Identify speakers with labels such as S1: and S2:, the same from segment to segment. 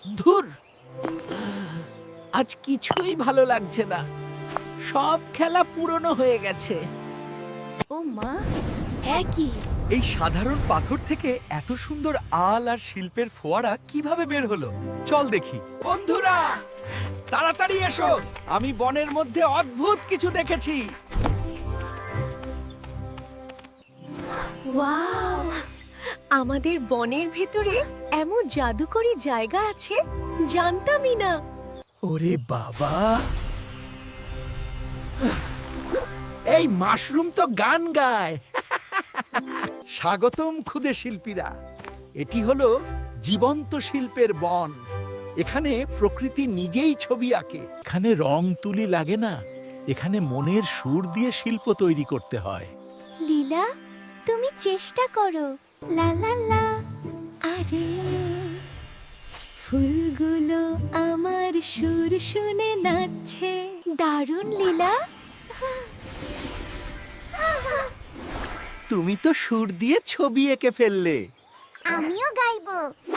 S1: ধুর, আজ কিছুই ভালো লাগছে না। সব খেলা পুরনো হয়ে গেছে।
S2: ও মা, একই।
S3: এই সাধারণ পাথর থেকে এত সুন্দর আল আর শিল্পের ফোয়ারা কিভাবে বের হলো? চল দেখি।
S1: বন্ধুরা, তাড়াতাড়ি এসো, আমি বনের মধ্যে অদ্ভুত কিছু দেখেছি।
S2: ওয়াও! আমাদের বনের ভেতরে এমন জাদুকরি জায়গা আছে, জানতামই না।
S1: ওরে বাবা, এই মাশরুম তো গান গায়। স্বাগতম ক্ষুদে শিল্পীরা। এটি হলো জীবন্ত শিল্পের বন। এখানে প্রকৃতি নিজেই ছবি আঁকে।
S4: এখানে রং তুলি লাগে না, এখানে মনের সুর দিয়ে শিল্প তৈরি করতে হয়।
S2: লীলা, তুমি চেষ্টা করো। লা লা লা। আরে ফুলগুলো আমার সুর শুনে নাচছে। দারুণ লীলা।
S1: তুমি তো সুর দিয়ে ছবি এঁকে ফেললে।
S2: আমিও গাইবো।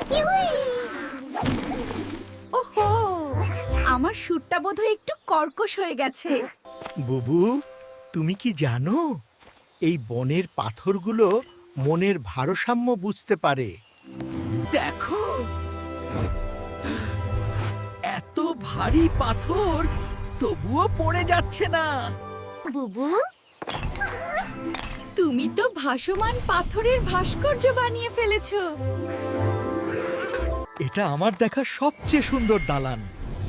S2: ওহো, আমার সুরটা বোধহয় একটু কর্কশ হয়ে গেছে।
S4: বুবু, তুমি কি জানো এই বনের পাথরগুলো মনের ভারসাম্য বুঝতে পারে?
S1: দেখো, এত ভারী পাথর তবুও পড়ে যাচ্ছে না।
S2: বুবু, তুমি তো ভাসমান পাথরের ভাস্কর্য বানিয়ে ফেলেছো।
S3: এটা আমার দেখা সবচেয়ে সুন্দর দালান।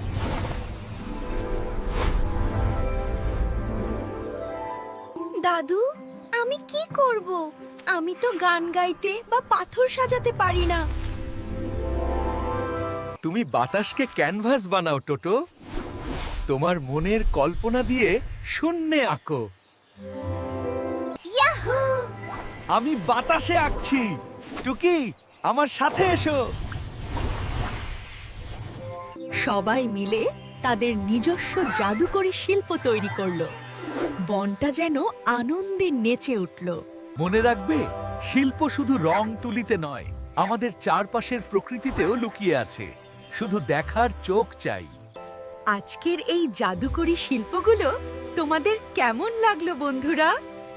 S2: দাদু, আমি কি করব? আমি তো গান গাইতে বা পাথর সাজাতে পারি না।
S3: তুমি বাতাসকে ক্যানভাস বানাও, টোটো। তোমার মনের কল্পনা দিয়ে শূন্যে আঁকো।
S2: ইয়াহু!
S3: আমি বাতাসে আঁকছি। টুকি, আমার সাথে এসো।
S2: সবাই মিলে তাদের নিজস্ব জাদুকরী শিল্প তৈরি করলো। বনটা যেন আনন্দে নেচে উঠল।
S3: মনে রাখবে, শিল্প শুধু রং তুলিতে নয়, আমাদের চারপাশের প্রকৃতিতেও লুকিয়ে আছে। শুধু দেখার চোখ চাই।
S2: আজকের এই জাদুকরী শিল্পগুলো তোমাদের কেমন লাগলো বন্ধুরা?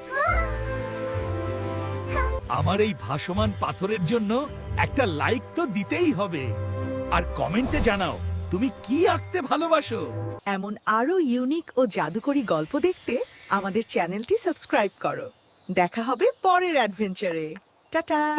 S4: আমার এই ভাসমান পাথরের জন্য একটা লাইক তো দিতেই হবে। আর কমেন্টে জানাও তুমি কি আঁকতে ভালোবাসো।
S5: এমন আরো ইউনিক ও জাদুকরী গল্প দেখতে আমাদের চ্যানেলটি সাবস্ক্রাইব করো। দেখা হবে পরের অ্যাডভেঞ্চারে। টাটা।